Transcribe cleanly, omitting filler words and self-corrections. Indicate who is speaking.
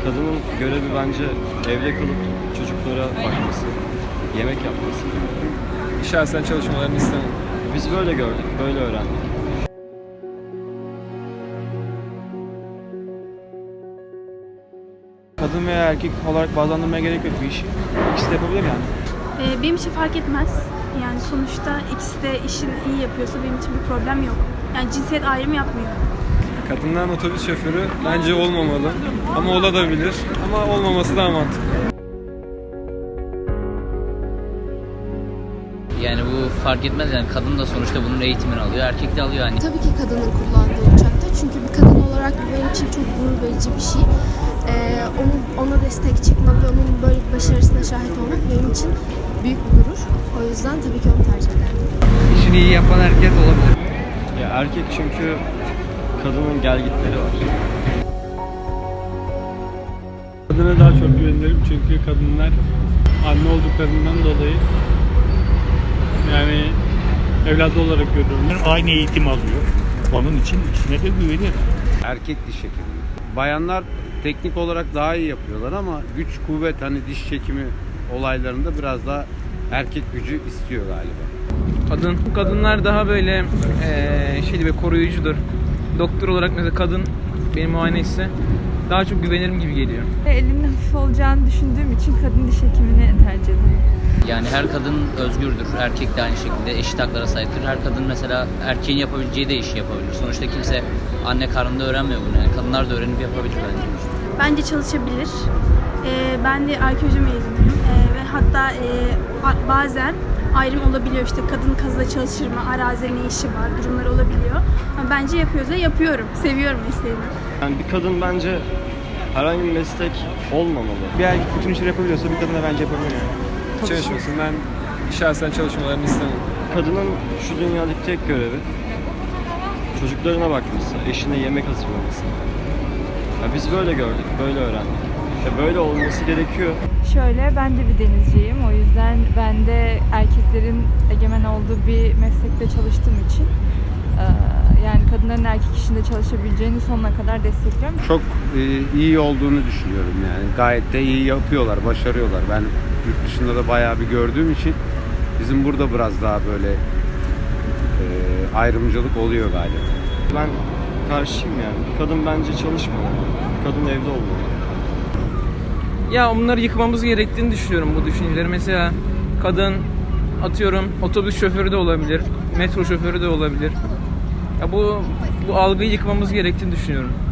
Speaker 1: Kadının görevi bence evde kalıp çocuklara bakması, yemek yapması.
Speaker 2: Şahsen çalışmalarını istemem.
Speaker 1: Biz böyle gördük, böyle öğrendik.
Speaker 3: Kadın veya erkek olarak bazlandırmaya gerek yok bu işi. İkisi de yapabilir yani.
Speaker 4: Benim için fark etmez. Yani sonuçta ikisi de işini iyi yapıyorsa benim için bir problem yok. Yani cinsiyet ayrımı yapmıyor.
Speaker 2: Kadından otobüs şoförü bence olmamalı. Ama olabilir. Ama olmaması daha mantıklı.
Speaker 5: Yani bu fark etmez yani kadın da sonuçta bunun eğitimini alıyor, erkek de alıyor yani.
Speaker 6: Tabii ki kadının kullandığı uçakta. Çünkü bir kadın olarak bu benim için çok gurur verici bir şey. Ona destek çıkmak ve onun böyle bir başarısına şahit olmak benim için büyük bir gurur. O yüzden tabii ki onu tercih ederim.
Speaker 7: İşini iyi yapan herkes olabilir.
Speaker 1: Ya erkek çünkü kadının gelgitleri var.
Speaker 2: Kadına daha çok güvenirim çünkü kadınlar anne olduklarından dolayı yani evladı olarak görüyorum.
Speaker 8: Aynı eğitim alıyor. Onun için ikisine de güvenirim.
Speaker 7: Erkek diş hekimi. Bayanlar teknik olarak daha iyi yapıyorlar ama güç kuvvet hani diş çekimi olaylarında biraz daha erkek gücü istiyor galiba.
Speaker 9: Kadınlar daha böyle şeydi ve koruyucudur. Doktor olarak mesela kadın benim muayene ise daha çok güvenirim gibi geliyor.
Speaker 10: Elinin hafif olacağını düşündüğüm için kadın diş hekimini tercih ederim.
Speaker 5: Yani her kadın özgürdür, erkek de aynı şekilde eşit haklara sahiptir. Her kadın mesela erkeğin yapabileceği de işi yapabilir. Sonuçta kimse anne karnında öğrenmiyor bunu yani. Kadınlar da öğrenip yapabilir bence.
Speaker 4: Bence çalışabilir. Ben de arkeoloji mezunuyum ve hatta bazen ayrım olabiliyor, işte kadın kazıda çalışır mı, arazide ne işi var, durumlar olabiliyor. Ama bence yapıyorsa yapıyorum, seviyorum mesleğimi.
Speaker 1: Yani bir kadın bence herhangi bir meslek olmamalı.
Speaker 3: Bir erkek bütün işleri yapabiliyorsa bir kadın da bence yapabilir yani.
Speaker 2: Çalışmasın. Ben şahsen çalışmalarını istemem.
Speaker 1: Kadının şu dünyadaki tek görevi çocuklarına bakması, eşine yemek hazırlaması. Ya biz böyle gördük, böyle öğrendik. Böyle olması gerekiyor.
Speaker 10: Şöyle, ben de bir denizciyim. O yüzden ben de erkeklerin egemen olduğu bir meslekte çalıştığım için yani kadınların erkek işinde çalışabileceğini sonuna kadar destekliyorum.
Speaker 7: Çok iyi olduğunu düşünüyorum yani. Gayet de iyi yapıyorlar, başarıyorlar. Ben yurt dışında da bayağı bir gördüğüm için bizim burada biraz daha böyle ayrımcılık oluyor galiba.
Speaker 1: Ben karşıyım yani. Kadın bence çalışmamalı. Kadın evde olmalı.
Speaker 9: Ya bunları yıkmamız gerektiğini düşünüyorum bu düşünceleri. Mesela kadın atıyorum otobüs şoförü de olabilir, metro şoförü de olabilir. Ya bu algıyı yıkmamız gerektiğini düşünüyorum.